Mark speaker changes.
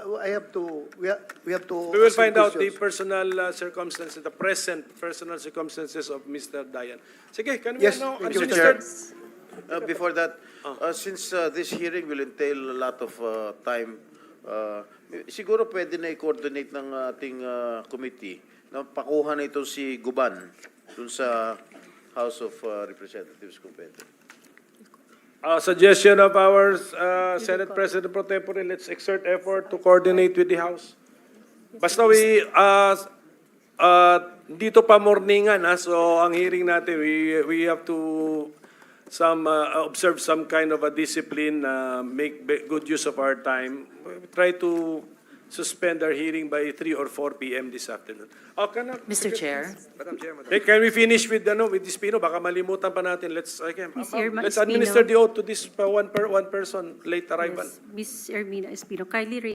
Speaker 1: I have to, we have to.
Speaker 2: We will
Speaker 1: ask him
Speaker 2: find out the
Speaker 1: questions.
Speaker 2: personal circumstances, the present personal circumstances of Mr. Dayan. Sige, can we
Speaker 1: Yes,
Speaker 2: know?
Speaker 1: thank you,
Speaker 2: Mr.
Speaker 1: Chair.
Speaker 3: Before that, since this hearing will entail a lot of time, siguro pwede na i-coordinate ng ating committee na pakuha na ito si Guban dun sa House of Representatives kung pwede.
Speaker 2: Suggestion of our Senate President Pro Tempore, let's exert effort to coordinate with the House. Basta dito pa morningan, so ang hearing natin, we have to observe some kind of a discipline, make good use of our time. We try to suspend our hearing by 3 or 4 p.m. this afternoon.
Speaker 4: Mr. Chair.
Speaker 2: Hey, can we finish with this Pino? Baka malimutan pa natin. Let's
Speaker 4: Ms.
Speaker 2: administer the oath to this one person late arrival.
Speaker 4: Ms. Ermina Espino, kindly raise